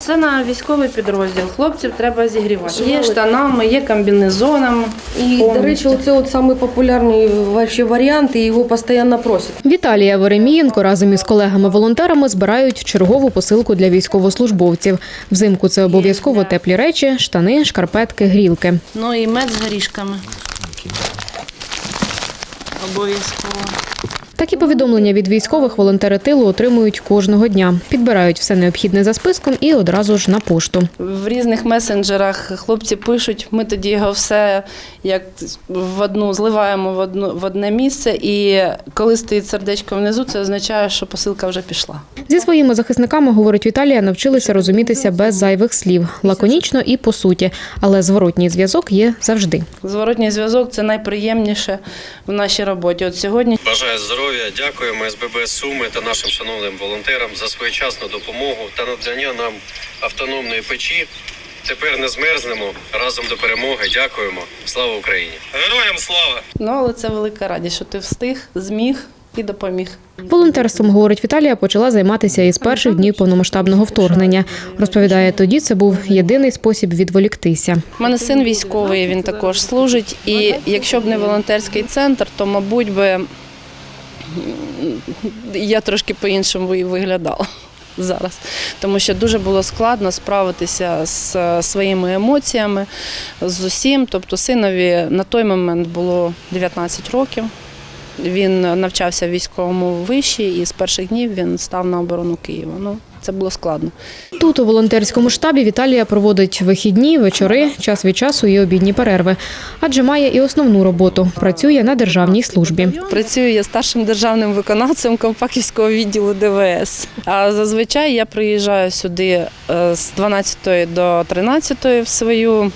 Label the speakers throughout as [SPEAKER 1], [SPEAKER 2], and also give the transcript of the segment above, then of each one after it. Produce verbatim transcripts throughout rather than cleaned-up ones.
[SPEAKER 1] Це на військовий підрозділ. Хлопців треба зігрівати. Є штанами, є комбінезонами.
[SPEAKER 2] І, до речі, це от самий популярний вообще варіант, і його постійно просять.
[SPEAKER 3] Віталія Веремієнко разом із колегами-волонтерами збирають чергову посилку для військовослужбовців. Взимку це обов'язково теплі речі, штани, шкарпетки, грілки.
[SPEAKER 1] Ну і мед з горішками. Обов'язково.
[SPEAKER 3] Такі повідомлення від військових волонтери тилу отримують кожного дня. Підбирають все необхідне за списком і одразу ж на пошту.
[SPEAKER 1] В різних месенджерах хлопці пишуть, ми тоді його все як в одну зливаємо в одну в одне місце, і коли стоїть сердечко внизу, це означає, що посилка вже пішла.
[SPEAKER 3] Зі своїми захисниками, говорить Віталія, навчилися розумітися без зайвих слів, лаконічно і по суті, але зворотній зв'язок є завжди.
[SPEAKER 1] Зворотній зв'язок – це найприємніше в нашій роботі. От сьогодні
[SPEAKER 4] бажаю здоров'я. Дякуємо ес бе бе Суми та нашим шановним волонтерам за своєчасну допомогу та надання нам автономної печі. Тепер не змерзнемо. Разом до перемоги. Дякуємо. Слава Україні! Героям слава!
[SPEAKER 1] Ну, але це велика радість, що ти встиг, зміг і допоміг.
[SPEAKER 3] Волонтерством, говорить Віталія, почала займатися із перших днів повномасштабного вторгнення. Розповідає, тоді це був єдиний спосіб відволіктися.
[SPEAKER 1] У мене син військовий, він також служить. І якщо б не волонтерський центр, то, мабуть, би я трошки по-іншому і виглядала зараз. Тому що дуже було складно справитися з своїми емоціями, з усім. Тобто синові на той момент було дев'ятнадцять років. Він навчався в військовому виші і з перших днів він став на оборону Києва. Ну, це було складно.
[SPEAKER 3] Тут у волонтерському штабі Віталія проводить вихідні, вечори, час від часу і обідні перерви. Адже має і основну роботу – працює на державній службі.
[SPEAKER 1] Працюю я старшим державним виконавцем Компаківського відділу де ве ес. А зазвичай я приїжджаю сюди з дванадцятої до тринадцятої в свою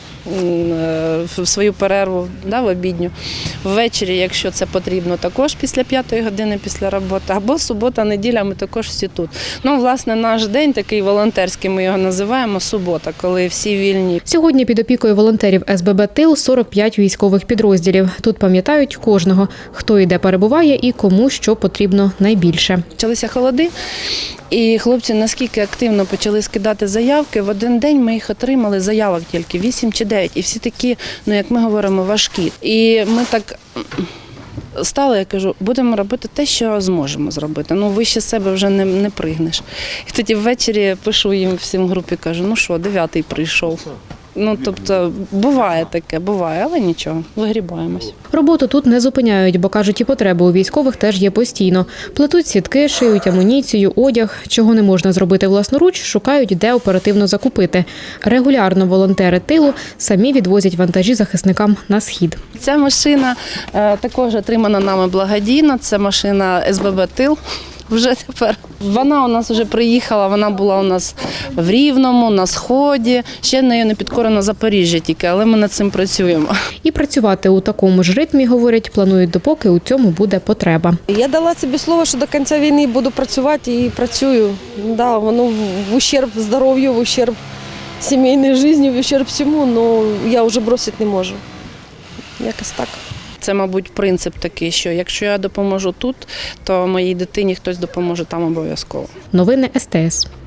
[SPEAKER 1] в свою перерву, да, в обідню. Ввечері, якщо це потрібно, також після п'ятої години після роботи. Або субота, неділя, ми також всі тут. Ну, власне, наш день такий волонтерський, ми його називаємо субота, коли всі вільні.
[SPEAKER 3] Сьогодні під опікою волонтерів ес бе бе «Тил» сорок п'ять військових підрозділів. Тут пам'ятають кожного, хто і де перебуває і кому що потрібно найбільше.
[SPEAKER 1] Почалися холоди, і хлопці наскільки активно почали скидати заявки. В один день ми їх отримали, заявок тільки вісім чи дев'ять. І всі такі, ну як ми говоримо, важкі. І ми так стали, я кажу, будемо робити те, що зможемо зробити. Ну, вище себе вже не, не пригнеш. І тоді ввечері пишу їм всім в групі, кажу, ну що, дев'ятий прийшов. Ну, тобто, буває таке, буває, але нічого, вигрібаємось.
[SPEAKER 3] Роботу тут не зупиняють, бо, кажуть, і потреби у військових теж є постійно. Плетуть сітки, шиють амуніцію, одяг. Чого не можна зробити власноруч, шукають, де оперативно закупити. Регулярно волонтери тилу самі відвозять вантажі захисникам на схід.
[SPEAKER 1] Ця машина е, також отримана нами благодійно, це машина ес бе бе «Тил». Вже тепер. Вона у нас вже приїхала, вона була у нас в Рівному, на Сході. Ще нею не підкорено Запоріжжя тільки, але ми над цим працюємо.
[SPEAKER 3] І працювати у такому ж ритмі, говорять, планують, допоки у цьому буде потреба.
[SPEAKER 2] Я дала собі слово, що до кінця війни буду працювати і працюю. Да, воно в ущерб здоров'ю, в ущерб сімейній житті, в ущерб всьому, але я вже бросити не можу. Якось так.
[SPEAKER 1] Це, мабуть, принцип такий, що якщо я допоможу тут, то моїй дитині хтось допоможе там обов'язково.
[SPEAKER 3] Новини ес те ес.